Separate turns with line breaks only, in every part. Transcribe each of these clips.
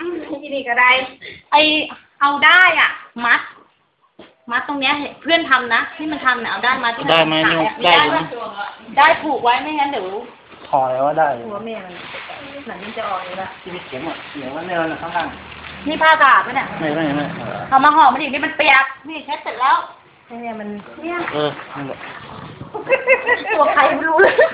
ที่นี่ก็ได้ไอเอาได้อ่ะมัดตรงเนี้ยเพื่อนทำนะที่มันทำเนี่ยเอาได้มาที่ได้ไหมได้ได้ผูกไว้ไม่งั้นเดี๋ยว
ถอยว่าได้
หัวแม่มันหนังมันจะออกอยู่ละ
ที่มีเข็มอ่ะเขียนว่าเนี่ยข้างล่าง
นี่ผ้ากาดไหมเนี่ย
ไม่
เอามาห่อมาดินี่มันเปียกนี่เช็ดเสร็จแล้วเนี่ยมันเนี่ย
นั่นแหละ
ตัวใครไม่รู้เลย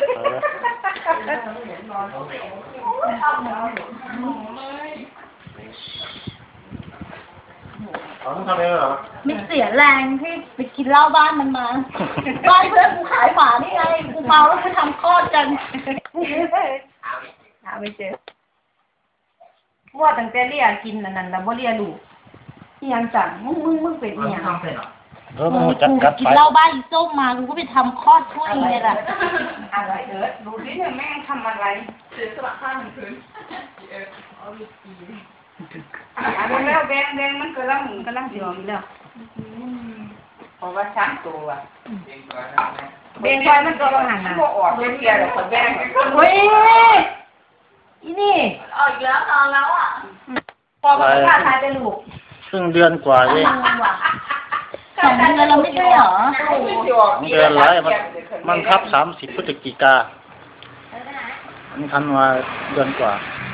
เขาต้องทำเองเหรอ
ไม่เสียแรงที่ไปกินเหล้าบ้านมันมาบ้านเพื่อนกูขายหมานี่ไงกูเมาแล้วไปทำคลอดกันหาไม่เจอว่าตั้งแต่เรียกินนั่นแล้วว่าเรียลูกยังจังมึงเป็นยัง
มึงจัดกัด
กินเหล้าบ้านอีส้มมากูก็ไปทำคลอดช่วยเลยล่ะ
อะไรดูดิเนี่ยแม่ทำอะไรเสียสละข้างคืนอันนี้แล้วแดงมันกำลังเสียงแล้วเพราะว่าช้างตัวแดงไฟมันก็หันนะพวกออกเรียหรอกคนแดง
เฮ้ยอีนี่
ออกแล้วนอนแล้วอ่ะ
พอมันฆ่าตายไปลูก
ครึ่งเดือนกว่าเอง
2 เดือนเราไม่ใช่เหรอ
2 เดือนไรมันทับ30 พฤศจิกามันทันมาเดือนกว่า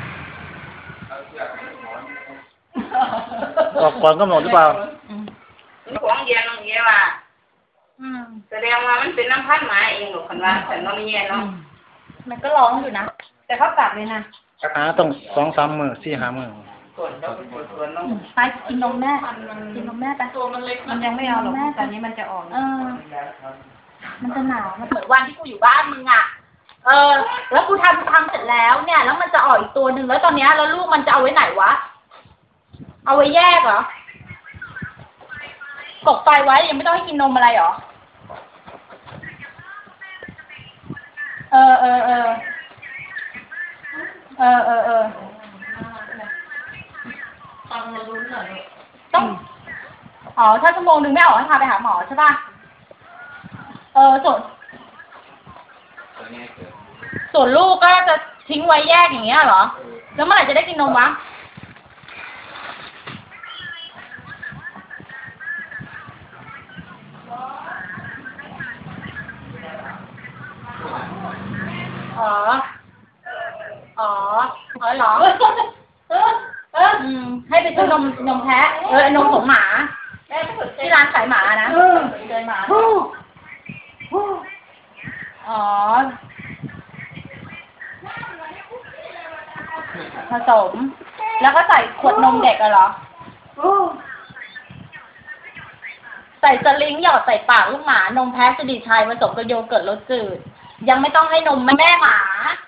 ออกก่อนกำหนดหรือเปล่า
ของเย็นตรงนี้ว่ะแสดงว่ามันเป็นน้ำพันหมาเองหรอกคนว่าแต่น้องเย็นเนาะ
มันก็ร้องอยู่นะแต่เขากลับเลยนะ
ต้อง2-3 มื้อ4-5 มื้อ
ไปกินนมแม่กินนมแม่ไป
ตัวมันเล็ก
มันยังไม่เอาหรอกตอนนี้มันจะออกมันจะหนาวมันเหมือนวันที่กูอยู่บ้านมึงอ่ะแล้วกูทำเสร็จแล้วเนี่ยแล้วมันจะออกอีกตัวหนึ่งแล้วตอนนี้แล้วลูกมันจะเอาไว้ไหนวะเอาไว้แยกเหรอตกไฟไว้ยังไม่ต้องให้กินนมอะไรหรอ
ฟังมาลุ้นหน่อย
ต้องถ้า1 ชั่วโมงไม่ออกให้พาไปหาหมอใช่ป่ะส่วนลูกก็จะทิ้งไว้แยกอย่างเงี้ยเหรอแล้วเมื่อไหร่จะได้กินนมวะเหรอให้ไปซื้อนมแพะนมของหมาที่ร้านขายหมานะ
เดินมา
ผสมแล้วก็ใส่ขวดนมเด็กเหรอใส่สลิงหยอดใส่ปากลูกหมานมแพะสดีชัยผสมกับโยเกิร์ตรสจืดยังไม่ต้องให้นมแม่หมา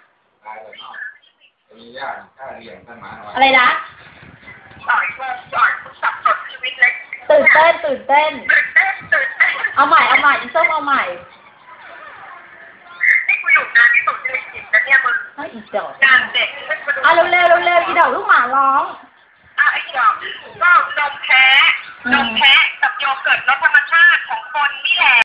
อะไรนะตื่นเต้นเอาใหม่อีส้มเอาใหม่
นี่กูอยู่นานที่สุดในชีวิตนะเนี่ยมึง
อีดอก
งานเด็ก
เร็วอีดอกลูกหมาร้อง
ไอ้ดอกก็นมแพะกับโยเกิร์ตรสธรรมชาติของคนนี่แหละ